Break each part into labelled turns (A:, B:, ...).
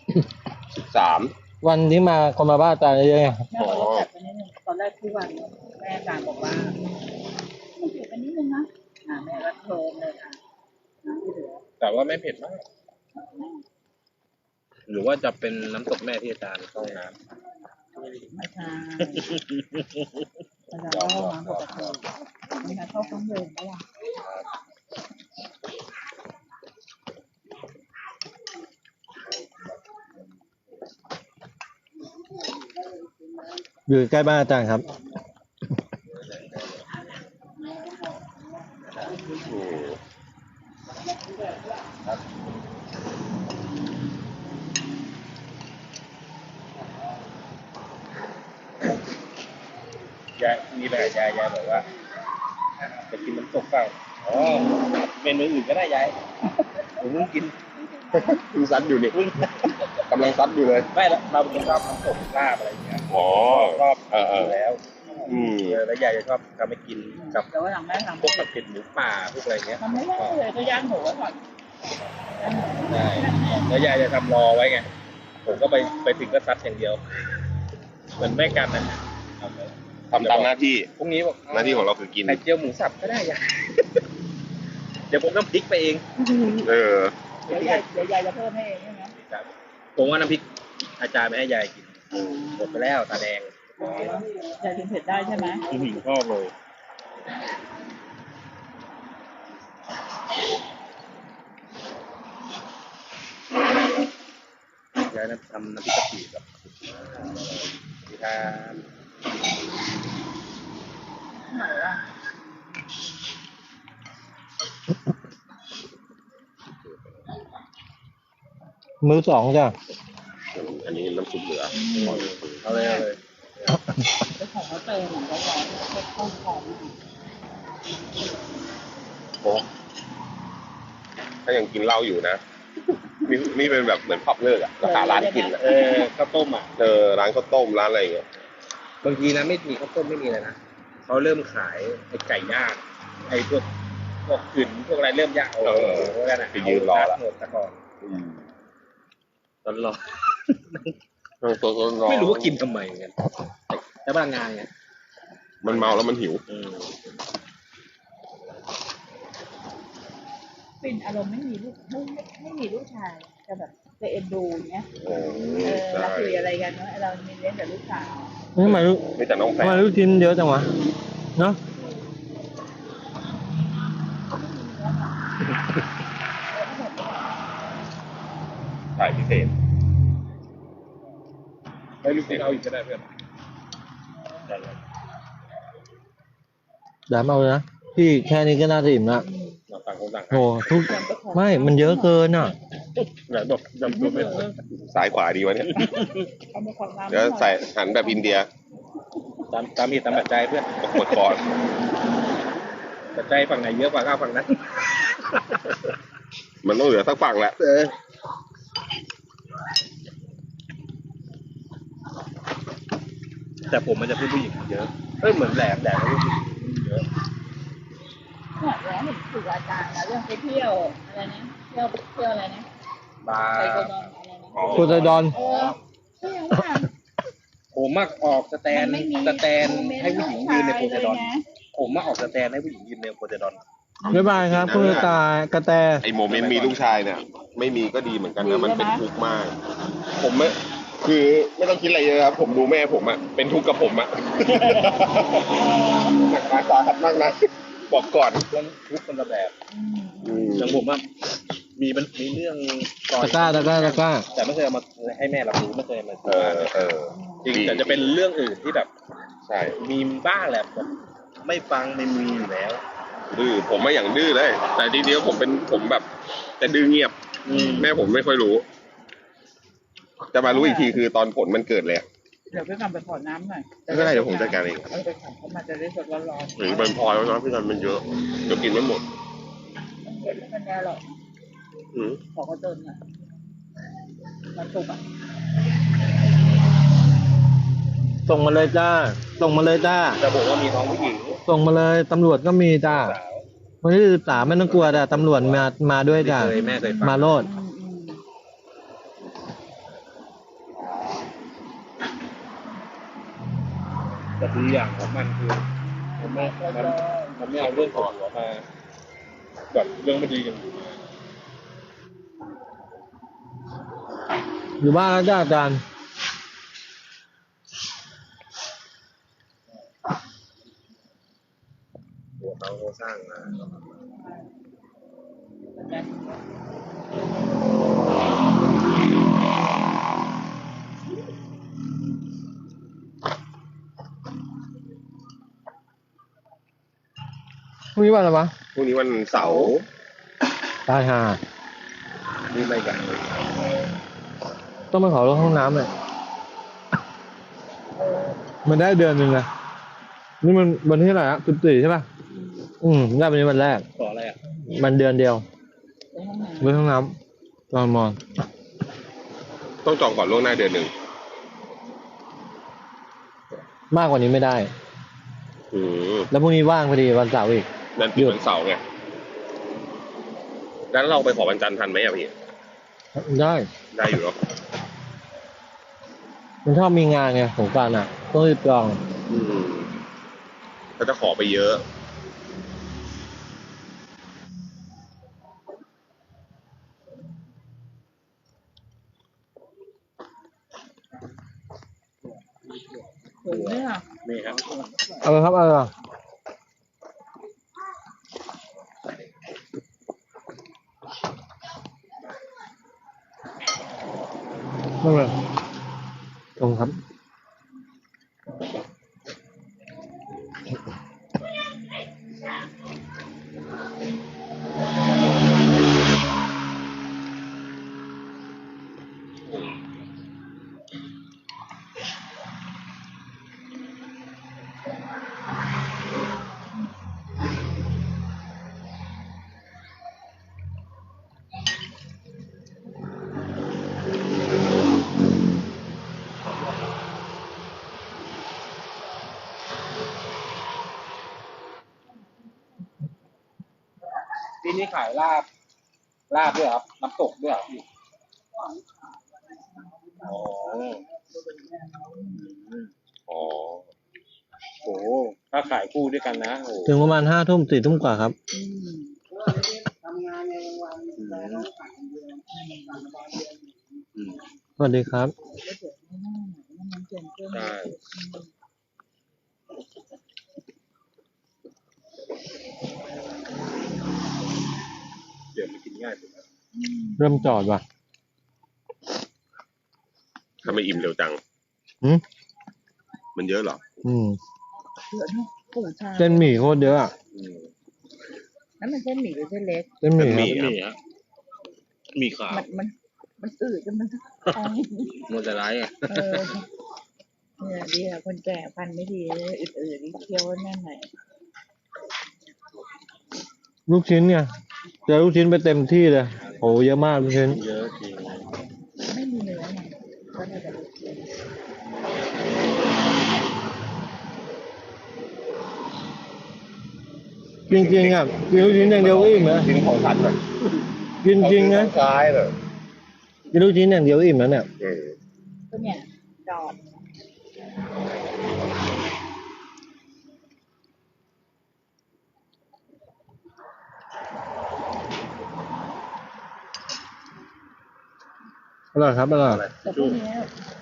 A: 13
B: วันที่มาคนมาบ้านอาจารย์เยอะๆไง
C: แม่บอกว่าจัดไปนิดนึงตอนแรกที่วันแม่อาจารย์บอกว่ามันเผ็ดไปนิดนึงนะแม่ก็เพิ่มเลยค่ะน้ำที่เหลือ
D: แต่ว่าไม่เผ็ดมาก หรือว่าจะเป็นน้ำตกแม่ที่อาจารย์เข้าห้องน้
C: ไม่ใช่อาจารย์เข้าห้องน้ำปกติไม่ใช่เข้าห้องเดิมก็ล่ะ
B: อยู่ใกล้บ้านอาจารย์ครับ
D: ำยายมีแบบยายบอกว่าจะกินน้ำตกเปล่าอ๋อเมนูอื่นก็ได้ยายผมเพิ่งกิน
A: เพิ่งซัดอยู่นี่กำลังซัดอยู่เลย
D: ไม่ละเราเป็นคนชอบน้ำตกลาบอะไรอย่างเงี้ย
A: อ๋อ
D: ชอบอยู่แล้ว แล้วยายจะชอบทำให้กินกับ
C: แต่ว่าหลังแม่ทำ
D: พวกผัดเผ็ดหมูป่าพวกอะไรเงี้ย
C: ทำไม่ได้เลยก็ย่างหมูไว้ก่อน
D: ใช่แล้วยายจะทำรอไว้ไงผมก็ไปถึงก็ซัดอย่างเดียวเหมือนแม่กันนะ
A: ทำตามหน้าที่
D: พรุ่งนี้บอก
A: หน้าที่ของเราคือกิน
D: ไข่เจียวหมูสับก็ได้ยาย เดี๋ยวผมน้ำพริกไปเอง
A: เออ
C: เดี๋ยวยายจะเพิ่มให้เองใช่ไหม
D: ครับผมว่าน้ำพริกอาจารย์ไม่ให้ยายกินหมดไปแล้วตาแดง
C: ยายกินเผ็ดได้ใช่ไหม
D: ชอบเลยยายทำน้ำพริกกะปิแบบที่ทาน
C: ไหนอ่ะ
B: มื้อสองจ้ะ
A: อันนี้น้ำซุปเหลือ
D: เอาเลยเอาเลย
C: ไปของเขาเติมเหมือนเขาร้อนเผ็ดข้นหอม
A: โอ้ถ้ายังกินเหล้าอยู่นะ นี่เป็นแบบเหมือนพับเลิกอะราคาร้านกินอะ
D: ข้าวต้มอ่ะ
A: ร้านข้าวต้มร้านอะไรอย่างเงี้ย
D: บางทีนะไม่มีข้าวต้มไม่มีเลยนะเขาเริ่มขายไอ้ไก่ย่างไอ้พวกกึ่นพวกอะไรเริ่มย่างพวกนั้นนะ
A: ไปยืนรอละ
D: หมดแต่ก่อนตอนรอ
A: ตัวน้อง
D: ไม่รู้ว่ากินทำไมเหมือนกันแต่บางงานไง
A: มันเมาแล้วมันหิว
C: เป็นอารมณ์ไม่มีลูกไม่มีลูกชายจะแบบจะเอ็นดูอย่างเงี้ย
A: ใช่
C: เราคุยอะไรกันเนาะเรามีเลี้ยงแต่ลูกสาว
B: ทำไมลูก
A: ไม่แต่น้องแฟ
B: ทำ
A: น
B: ไมลูกชิ้นเยอะจังวะเนาะ
A: ถ่ายพิเศษ
D: ไม่รู้เอาอีกก็ได้เพื่อน
B: ดามเอาเลยนะพี่แค่นี้ก็น่าจะอิ่มละ
D: เราต่างคนต่าง
B: โหทุกไม่มันเยอะเกินอ่ะ
D: ไหนบอกจำตัวไม่ได้
A: ซ้ายขวาดีวะเนี่ย
C: เอามาความน้ำ
A: เดี๋ยวใส่หันแบบอินเดีย
D: ตามเหตุตามปัจจัยเพื่อน
A: หมดก่อน
D: ปัจจัยฝั่งไหนเยอะกว่าก็เอาฝั่งนั้น
A: มันต้องเหลือสักฝั่งแหละ
D: แต่ผมมันจะพูดผู้หญิงเยอะเหมือนแหลมก็พูดผู้หญิงเยอะ
C: เนี่ยแล้วเห็นถูกอาจารย์แล้วเรื่องไปเที่ยวอะไรนะเที่ยวอะไรนะ
D: บา
C: ไป
D: ร์
C: โกดอนอะไรนะ
B: โพไซดอน
C: ก็ยังว่า
D: ผมมักออกสแตน
C: ไม่มี
D: ให้ผู้หญิงยืนในโพไซดอน
C: เลยนะ
D: ผมมาออกสแตนให้ผู้หญิงยืนในโพไซดอน
B: บ๊ายบายครับคุณตายกระแต
A: ไอโมเมนต์มีลูกชายเนี่ย ไม่มีก็ดีเหมือนกันนะมันเป็นทุกข์มาก ผมไม่คือไม่ต้องคิดอะไรเยอะครับ ผมดูแม่ผมอะเป็นทุกข์กับผมอะ หนักหนาสาหัสมากนะบอกก่อน
D: เรื่องทุกคนละแบบ
C: อืม
D: อย่างผมอะมีเรื่องก่อน
B: ตะกร้า
D: แต่ไม่เคยเอามาให้แม่รับรู้ไม่เคยเอามา จริง
A: ดี
D: แต่จะเป็นเรื่องอื่นที่แบบ
A: ใช่
D: มีบ้างแหละแบบไม่ฟังไม่มีอยู่แล้ว
A: ดื้อผมไม่อย่างดื้อเลย แต่ทีเดียวผมแบบแต่ดื้อเงียบ แม่ผมไม่ค่อยรู้ จะมารู้อีกทีคือตอนผลมันเกิดเลยอะ
C: เดี๋ยวไปทำไปขอน้ำหน่อย
A: ไม่เป็นไรเดี๋ยวผมจัดการเอง
C: ไปขอเขามาจะได้สดร้อน
A: หรือมันพอแล้วนะพี่นันมันเยอะเดี๋ยวกินไม่หมด
C: ๆเห็นแล้วมันแน่หรอก
A: อืม
C: ขอเขาเติมอ่ะมันสุกอ่ะ
B: ส่งมาเลยจ้า ส่งมาเลยจ้า
D: จะบอกว่ามีน้องผู้หญิง
B: ส่งมาเลยตำรวจก็มีจ้า
D: สาว
B: วันที่13ไม่ต้องกลัวจ้ะตำรวจมาด้วยจ้า
D: แม่เคยฟัง
B: มาโลด
C: อืม
D: ดีอย่างของมันคือมันไม่มันไม่เอาเรื่องของหัวมาแบบเรื่องไม่ดีกัน
B: อยู่บ้านแล้วจ้าอาจารย์
A: หัวเขาสร้างมา
B: พรุ่งนี้วันอะไรวะ
A: พรุ่งนี้วันเสาร์
B: ตายห่า
A: นี่ไม่กัน
B: ต้องไปขอรถห้องน้ำเลยมันได้เดือนหนึ่งนะนี่มันวันที่เท่าไหร่อะ14ใช่ป่ะได้วันนี้วันแรก
D: ขออะไรอ่ะ
B: มันเดือนเดียว
C: ไปห้องน้
B: รถห้องน้ำตอนมอน
A: ต้องจองก่อนล่วงหน้าเดือนหนึ่ง
B: มากกว่านี้ไม่ได้
A: อืม
B: แล้วพรุ่งนี้ว่างพอดีวันเสาร์อีก
A: นั่นคือวันเสาร์ไงงั้นเราไปขอวันจันทร์ทันไหมอ่ะพี่
B: ได้
A: ได้อยู่เนาะ
B: มันชอบมีงานไงสงกรานต์อ่ะต้องรีบจอง
A: ก็จะขอไปเยอะ
C: ำถึงเนี่ย
D: นี่ครับ
B: เอาเลยครับเอาเลยครับไม่เป็นไรตรงครับ
D: ที่นี่ขายลาบด้วยครับน้ำตกด้วยครับพี่อ๋อ
A: อ๋อ
D: โหถ้าขายคู่ด้วยกันนะโอ้
B: ถึงประมาณ5 ทุ่ม4 ทุ่มกว่าครับ
C: ทำงานในวันแต่ต้องขายเดือน
B: สวัสดีครับ
C: แล้วเดี๋ยวไม่น่าหนมันเกินเกิน
A: ใช่
D: เดี๋ยวมันกินง่ายสุด
B: เริ่มจอดว่ะ
A: ทำไมอิ่มเร็วจัง
B: หืม
A: มันเยอะเหรอ
C: เหลือทั้งปู่ชา
B: เส้นหมี่โคตรเยอะอะ
C: นั่นมันเส้นหมี่หรือเส้นเล็ก
B: เส้นหมี่
A: เส้นห
B: ค
A: มี่
B: รับ
D: มีฮะมีขาว
C: มันอืดจนมันท้อง
D: โมจะร้ายอ่ะ
C: เนี่ยดีอะคนแก่ฟันไม่ดีเลยอืดๆนี่เคี้ยวแน่นหน่อย
B: ลูกชิ้นเนี่ยเจอลูกชิ้นไปเต็มที่เลยโหเยอะมากลูกชิ้น
D: เยอะจริง
C: ไม่มีเนื้อไงก็เลยแบบ
B: จริงๆอ่ะกินลูกชิ้นอย่างเดียวก็อิ่มนะ
A: กินของสัตว์เลย
B: กินจริงนะ
A: ซ้ายเลย
B: กินลูกชิ้นอย่างเดียวก็อิ่มแล้วเนี่ย
C: ก็เนี่ยจอด
B: อร่อยครับอร่อย
C: แต่พวกเนี้ย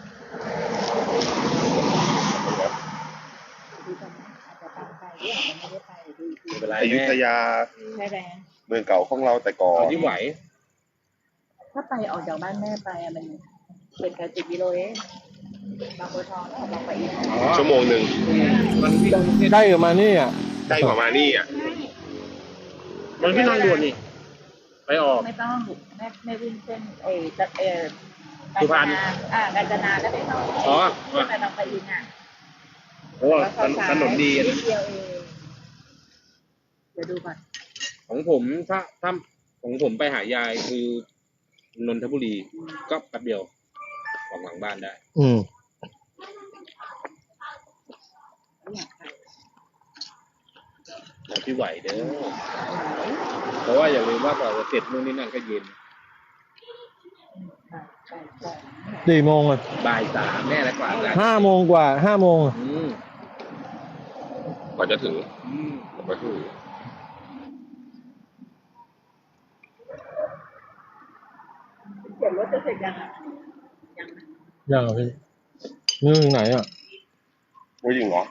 C: ดูกันอาจจะตามไปด้วยมันไม่ได้ไปดูอีกที
D: ไม่เป็นไร
A: อยุธยา
C: ใช่แรง
A: เมืองเก่าของเราแต่ก่อ
D: เอา
A: น
D: ที่ไหว
C: ถ้าไปออกจากบ้านแม่ไปอะมันเป็นแค่10 กิโลเองบางบัวทองแล้วบางปะอิน
A: ชั่วโมงหนึ่ง
D: มันวิ่ง
B: ได้อยู่มานี่อ่ะ
A: ใกล้กว่ามานี่อ่ะ
D: มันที่ทางด่วนนี่ไปออก
C: ไม่ต้องแม่วิ่งเส้นกา
D: สุ
C: ญ
D: พร
C: จ
D: รณ
C: นากาญจนาแล้วไปเข้า
D: อ๋อ
C: ขึ้นไปบางปะอินอ่ะ
D: โอ้ถนนดี
C: นิ
D: นะ
C: ดเดียวเองเดี๋ยวดูก่อน
D: ของผมถ้าของผมไปหายายคือนนทบุรีก็แป๊บเดียวออกหลังบ้านได้
C: ไม่อยากไป
D: เอาที่ไหวเด้อเพราะว่าอย่าลืมว่ากว่าจะเสร็จนู่นนี่นั่นก็เย็น
C: ไป
B: 4 โมงอ่ะ
D: บ่าย 3แน่แล้วกว่าจะ
B: 5 โมงกว่า5 โมงอะ
D: อืม
A: กว่าจะถึง
D: อืม
A: กว่าจะถึง
C: เขียนรถจะเสร็จยังอ่ะยังนะ
B: ยังเหรอพี่นี่ถึงไหนอ่ะ
A: ไม่จริงเหรอ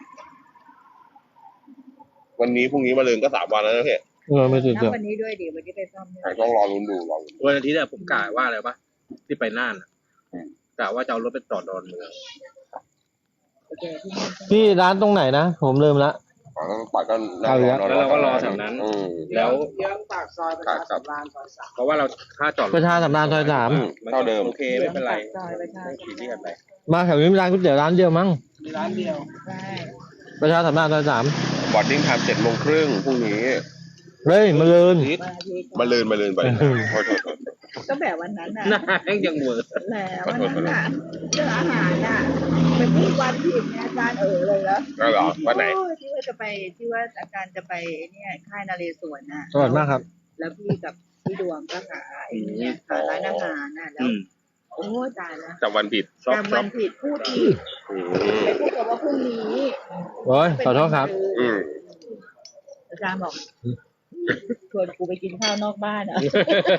A: วันนี้พรุ่งนี้มาเรือนก็3 วันแล้วนะพี่
B: ไม่ติด
C: นับ
B: เดี๋ยว
C: วันนี้ด้วยดิวันนี้ไปซ่อมด้วย
A: ต้องรอลุ้นดูรอลุ้น
D: วันอาทิตย์เนี่ยผมกะว่าอะไรปะที่ไปน่านอะกะว่าจะเอารถไปจอดดอนเมือง
C: โอเคที่นี่
B: พี่ร้านตรงไหนนะผมลืมละ
A: ปัดก็
B: เอาอีกแล้ว
D: แล้วเราก็รอแถวนั้น
A: อืม
D: แล้ว
C: เยื้องปากซอยประชาสัมพันธ์ซอยสาม
D: เพราะว่าเราค่าจอด
B: ประชาสัมพันธ์ซอย3
A: อืมเท่าเดิม
D: โอเคไม่เป็นไร
C: ซอยประชา
D: ไม่
C: สั
D: ขี
C: ม
D: ดที่
C: พั
D: กัน น
C: ธ์
D: ไป
B: มาแถวนี้มีร้านก๋วยเตี๋ยวร้านเดียวมั้ง
C: มีร้านเดียวใช่
B: ประชาสัมพันธ์ซอย3
A: บอร์ดดิ้งไทม์7 โมงครึ่งพรุ่งนี้
B: เฮ้ยมาลืน
C: วันอาทิตย์
A: มาเรือนไป
B: อืม
A: โทษ
C: ก็แบบวันนั้นน่ะ
D: หน้าแห้งยังเหวอร์
C: แหละวันนั้นน่ะเรื่องอาหารน่ะเป็นพูดวันผิดเนี่ยอาจารย์เลยแล้ว
A: ก็เหรอวันไหน
C: ที่ว่าจะไปที่ว่าอาจารย์จะไปเนี่ยค่ายนเรศวรน่ะ
B: อร่อยมากครับ
C: แล้วพี่กับพี่ดวงก็หาไอ้เนี่ยหาร้านอาหารน่ะแล้ว โอ้ตายแล้ว
A: จำวันผิด
D: ชอบ
C: จำวันผิดพูดอีก
A: อืม
C: ไปพูดกับว่าพรุ่งนี้
B: โอ้ยขอโทษครับ
A: อืม
C: อาจารย์บอกชวนกูไปกินข้าวนอกบ้านเหรอ่ะ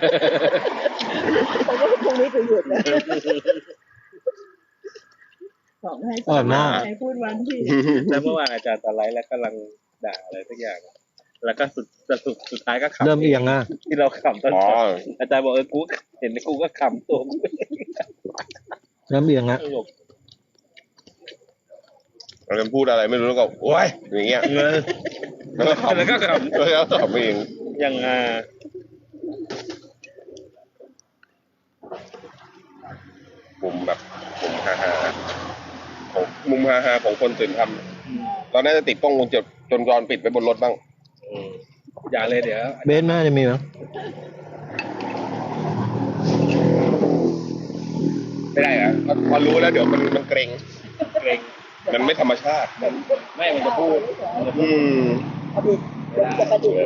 C: เพราะว่าพรุ่งนี้จะหยุดนะของให้
B: อร่อยมาก
C: ให้พูดวันผิด
D: แล้วเมื่อวานอาจารย์ตะไลฟ์แล้วกำลังด่าอะไรสักอย่าง แล้วก็สุดท้ายก็ขำ
B: เริ่มเอียงอ่ะ
D: ที่เราขำตอน
A: อ๋อ
D: จบอาจารย์บอกกูเห็นกูก็ขำตัวกู
B: เริ่มเอียงอ่ะ
D: ตลก
A: เราจะพูดอะไรไม่รู้แล้วก็โอ้ยอย่างเงี้ย
D: เงิน
A: แล้วก็ขำ
D: แล้วก็ข
A: แล้วก็ขำเอง
D: ยัง
A: มุมแบบมุมฮาๆของมุมฮาๆของคนตื่นทำตอนนั้นจะติดกล้องวงจรปิดไปบนรถบ้าง
D: อย่าเลยเดี๋ยว
B: เบสแม่จะมีมั้ย
A: ไม่ได้อะพอรู้แล้วเดี๋ยวมันเกรง
D: เกรง
A: มันไม่ธรรมชาติ
D: ไม่มันจะพูด
A: อืม
C: ประดิษฐ์จะประดิษฐ์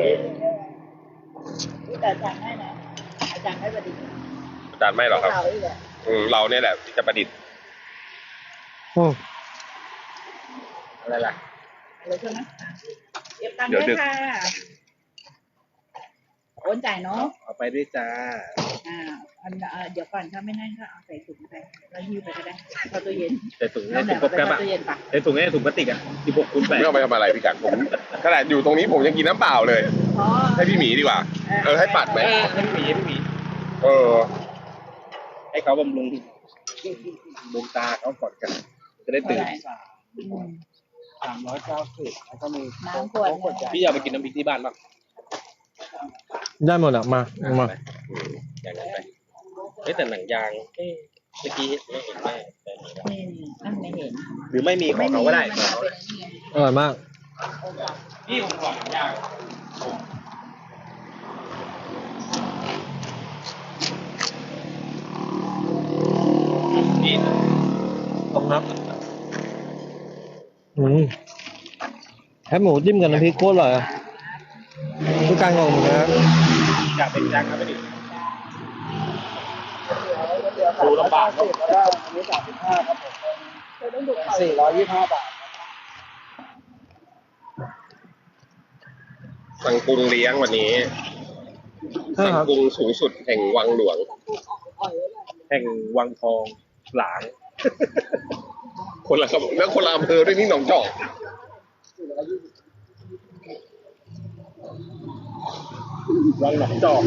C: แต่อาจารย์ให้นะอาจารย์ให้ประดิษฐ์
A: อาจารย์ไม่หรอกครับ
C: เราอีกแหละ
A: เราเนี่ยแหละที่จะประดิษฐ์
B: โอ้
D: อะไรล่ะ
C: อะไรใช่ไหมเก็บตังค์ด้วยค่ะโอนจ่ายเนาะ
D: เอาไปด้วยจ้า
C: เดี๋ยวก่อนถ้าไม่นั่นก็เอาใส่ถุงไปแล้วหิ้วไปก็ได้เข้าตู้เย็น
D: แต่ถุง
C: นั่
D: เนี่ย
C: นแห
D: ถุ
C: ละ
D: ง
C: เอา
D: กบ
C: ไป
D: แกบ
C: เข้า
D: อะ
C: ตู้เย็นปะ
D: ในถุงเนี่ยถุงพลาสติกอะ16 คูณ
A: ไม่เอาไปทำอะไรพี่กัดผมขนาดอยู่ตรงนี้ผมยังกินน้ำเปล่าเลย
C: อ๋อ
A: ให้พี่หมีดีกว่า ให้ปัดไหม
D: ไม่มี
A: เออ
D: ให้เขาบำรุงดวงตาเขาก่อนกัน จะได้ตื่น
C: 390แล้วก็มีน้ำขวด
D: พี่อยากไปกินน้ำพริกที่บ้านบ้าง
B: ได้หมดอ่ะมามา
D: อย่างนั้นไปเฮ้ยแต่หนังยางเมื่อกี้ไม่เห็นแม่แต่มีแล้ว
C: นี่ไม่เห็น
D: หรือไม่มีของเขาก็ได้
C: มันเป็นอันนี้ไง
B: อร่อยมาก
D: พี่ผมขอหนังยางนี่
B: ขอบคุณครับแคบหมูจิ้มกับน้ำพริกโคตรอร่อยอ่ะทุกการงงนะครับ
D: อยากเป็นยางครับไม่ดิ
C: ดูลำบากเนาะแล้วก็อันนี้35ครับผม425 บาท
A: สั่งกรุงเลี้ยงวันนี้
B: ใช่
A: สั่ง
B: ครับ
A: กรุงสูงสุดแห่งวังหลวง
D: แห่งวังทองหลาง
A: คนละครับแล้วคนละอำเภอด้วยนี่หนองจอก
D: วังหนองจอก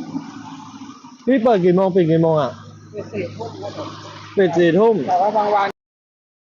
B: พี่เปิดกี่โมงปิดกี่โมงอ่ะ ปิด4 ทุ่ม
C: แต่ว่าบางวัน